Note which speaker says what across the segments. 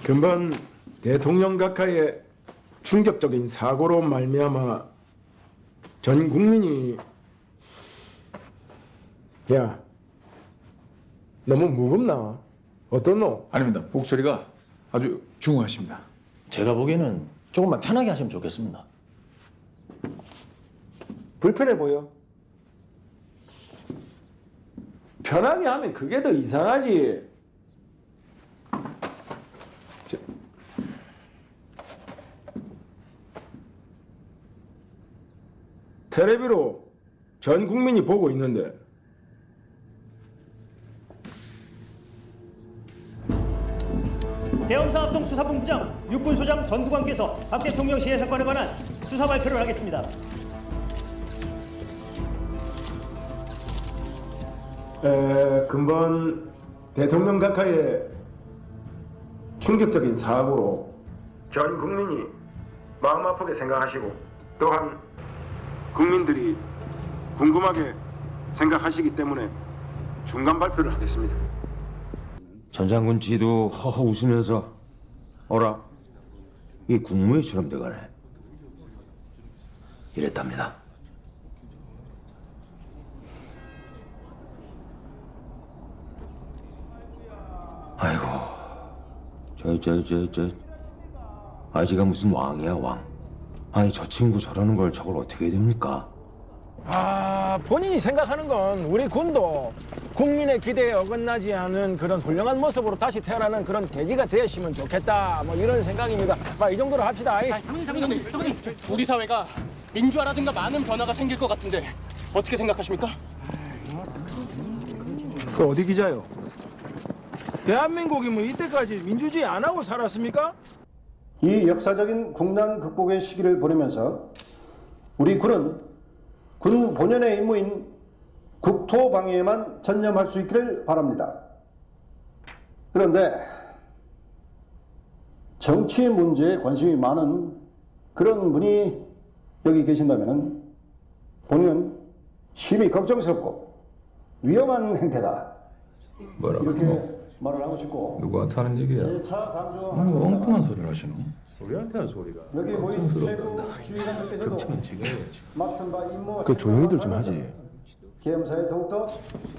Speaker 1: 근본 대통령 각하의 충격적인 사고로 말미암아 전 국민이 야 너무 무겁나? 어떻노?
Speaker 2: 아닙니다. 목소리가 아주 중후하십니다.
Speaker 3: 제가 보기에는 조금만 편하게 하시면 좋겠습니다.
Speaker 1: 불편해 보여? 편하게 하면 그게 더 이상하지. 저, 텔레비로 전 국민이 보고 있는데
Speaker 4: 대형사업동 수사본부장 육군소장 전두관께서 박 대통령 시해 사건에 관한 수사 발표를 하겠습니다.
Speaker 1: 근본 대통령 각하의 충격적인 사고로 전 국민이 마음 아프게 생각하시고 또한 국민들이 궁금하게 생각하시기 때문에 중간 발표를 하겠습니다.
Speaker 5: 전 장군 지도 허허 웃으면서 어라 이 국무회의처럼 돼가네 이랬답니다. 아이고 저 아지가 무슨 왕이야 왕. 아니 저 친구 저러는 걸 저걸 어떻게 해야 됩니까?
Speaker 1: 본인이 생각하는 건 우리 군도 국민의 기대에 어긋나지 않은 그런 훌륭한 모습으로 다시 태어나는 그런 계기가 되었으면 좋겠다. 뭐 이런 생각입니다. 이 정도로 합시다.
Speaker 6: 장군님, 우리 사회가 민주화라든가 많은 변화가 생길 것 같은데 어떻게 생각하십니까?
Speaker 1: 그 어디 기자요? 대한민국이 뭐 이때까지 민주주의 안 하고 살았습니까?
Speaker 7: 이 역사적인 국난 극복의 시기를 보내면서 우리 군은 군 본연의 임무인 국토 방위에만 전념할 수 있기를 바랍니다. 그런데 정치 문제에 관심이 많은 그런 분이 여기 계신다면 본인은 심히 걱정스럽고 위험한 행태다.
Speaker 2: 뭐라
Speaker 7: 이렇게
Speaker 2: 그러노?
Speaker 7: 말을 하고 싶고
Speaker 2: 누구한테 하는 얘기야?
Speaker 7: 제4 단수
Speaker 2: 아니 뭐 엉뚱한 소리를 하시노?
Speaker 1: 우리한테 한 소리가.
Speaker 7: 여기 모인 최고
Speaker 2: 걱정스럽다.
Speaker 7: 주의관들께서도 맡은 바 임무와
Speaker 1: 그 조용히들 좀 하지.
Speaker 7: 계엄사에 더욱더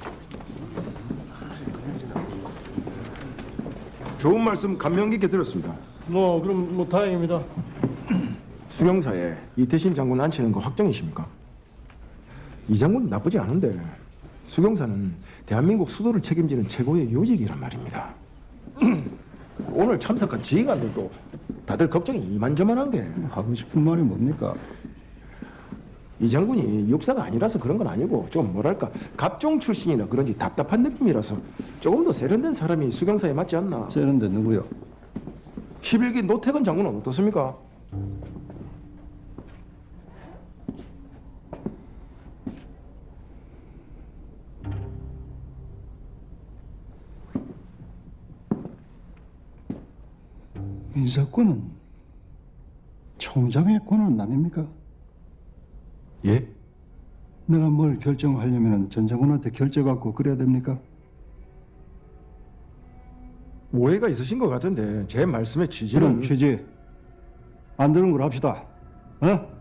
Speaker 1: 좋은 말씀 감명 깊게 들었습니다.
Speaker 4: 그럼 다행입니다.
Speaker 1: 수경사에 이태신 장군 앉히는 거 확정이십니까? 이 장군 나쁘지 않은데 수경사는 대한민국 수도를 책임지는 최고의 요직이란 말입니다. 오늘 참석한 지휘관들도 다들 걱정이 이만저만한 게
Speaker 7: 하고 싶은 말이 뭡니까?
Speaker 1: 이 장군이 육사가 아니라서 그런 건 아니고 좀 뭐랄까 갑종 출신이라 그런지 답답한 느낌이라서 조금 더 세련된 사람이 수경사에 맞지 않나.
Speaker 7: 세련된 누구요?
Speaker 1: 11기 노태근 장군은 어떻습니까?
Speaker 7: 인사권은 총장의 권한 아닙니까?
Speaker 1: 예?
Speaker 7: 내가 뭘 결정하려면 전 장군한테 결재받고 그래야 됩니까?
Speaker 1: 오해가 있으신 것 같은데 제 말씀의 취지는
Speaker 7: 그럼 취지 안 되는 걸 합시다. 어?